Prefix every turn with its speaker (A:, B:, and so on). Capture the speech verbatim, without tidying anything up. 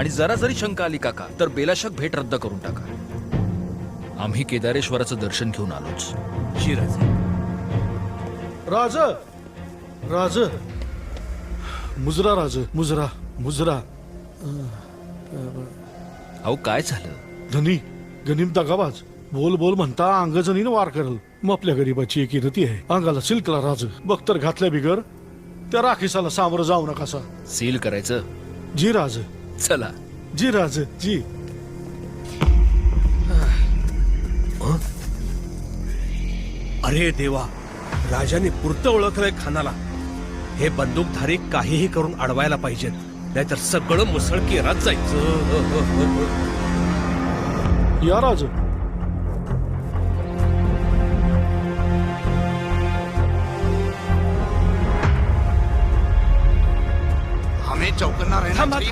A: आणि जरा जरी शंका आली काका तर बेलाशक भेट रद्द करून टाका. आम्ही केदारेश्वराचं दर्शन घेऊन आलोच.
B: जी राजे.
C: राज राज मुजरा राज मुजरा मुजरा.
A: अहो काय झालं?
C: धनी गनिम दगाबाज बोल बोल म्हणता अंग जनीन वार करल. मग आपल्या गरीबाची एक इरती आहे. अंगाला सिल्कला राज बख्तर घातल्या बिगर त्या राखीसाला सामोरं जाऊ नकासा.
A: सील करायचं.
C: जी राज.
A: चला.
C: जी राज जी.
B: अरे देवा, राजाने पुरतं ओळखलंय खानाला. हे बंदूकधारी काहीही करून अडवायला पाहिजेत, नाहीतर सगळं मुसळकेरात जायचं.
C: या राज.
D: हमें चौकन्ना रहना
B: थांबा
D: चाहिए.